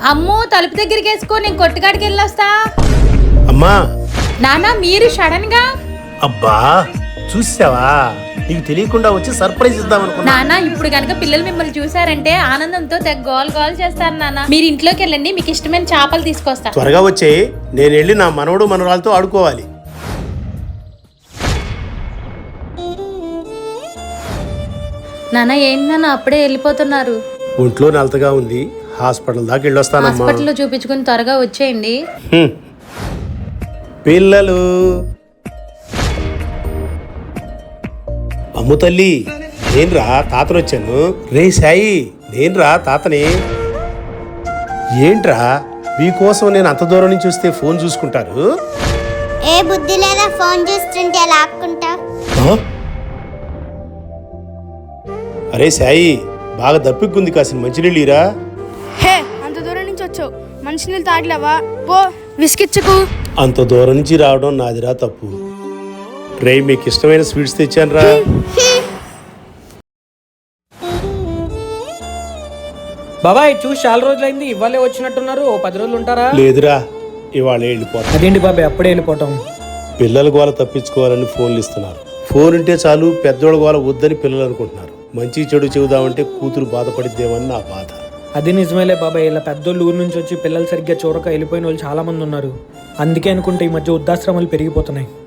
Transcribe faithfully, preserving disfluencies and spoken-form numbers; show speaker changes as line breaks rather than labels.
అమ్మో తలుపు దగ్గరికి వేసుకో, నేను కొట్టుకాడికి వెళ్ళొస్తా.
అమ్మా
నాన్న మీరు సడన్ గా.
అబ్బా చూసావా, నీకు తెలియకుండా వచ్చి సర్ప్రైజ్ ఇద్దాం అనుకున్నా.
నాన్న ఇప్పుడు కనుక పిల్లలు మిమ్మల్ని చూసారంటే ఆనందంతో తెగ గోల్ గోల్ చేస్తారు. నాన్న మీరు ఇంట్లోకి వెళ్ళండి, మీకు ఇష్టమైన చేపలు తీసుకొస్తా.
త్వరగా వచ్చే, నేను వెళ్ళి నా మనవడు మనవరాలతో ఆడుకోవాలి.
నాన్న ఏంటి నాన్న అప్పుడే వెళ్ళిపోతున్నారు?
ఒంట్లో నలతగా ఉంది, హాస్పిటల్ దాకా వెళ్ళొస్తానమ్మా.
హాస్పిటల్లో చూపించుకుని త్వరగా వచ్చేయండి.
హ్మ్. పిల్లలు అమ్ము తల్లి, నేనురా తాతను వచ్చాను. రే సాయి, నేనురా తాతని. ఏంట్రా మీకోసం నేను అంత దూరం నుంచి వస్తే ఫోన్ చూసుకుంటారు?
ఏ బుద్ధి లేదా ఫోన్ చూస్తుంటే లాక్కుంటా.
అరే సాయి, బాగా దప్పిక్కుంది, కాసిన మంచినీళ్ళీరా.
హే అంత దూరం నుంచి వచ్చావు, మంచినీళ్ళు తాగలేవా? పో విసికిచ్చుకు.
అంత దూరం నుంచి రావడం నాదిరా తప్పు. రే మీకు ఇష్టమైన స్వీట్స్ తెచ్చాను రా.
బాబాయ్ చూసి చాలా రోజులైంది, ఇవాళే వచ్చినట్టున్నారు. ఓ పది రోజులు ఉంటారా?
లేదురా, ఇవాళ వెళ్ళిపోతా.
అదేంటి బాబాయ్ అప్పుడే వెళ్ళిపోవటం?
పిల్లల గోల తప్పించుకోవాలని ఫోన్లు ఇస్తున్నారు. ఫోన్ ఉంటే చాలు పెద్దోళ్ళ గోల వద్దని పిల్లలు అనుకుంటున్నారు. మంచి చెడు చెబుదామంటే కూతురు బాధపడిద్దేమని నా బాధ.
అది నిజమేలే బాబాయ్, ఇలా పెద్దోళ్ళు ఊరు నుంచి వచ్చి పిల్లలు సరిగ్గా చూడక వెళ్ళిపోయిన వాళ్ళు చాలా మంది ఉన్నారు. అందుకే అనుకుంటే ఈ మధ్య వృద్ధాశ్రమాలు పెరిగిపోతున్నాయి.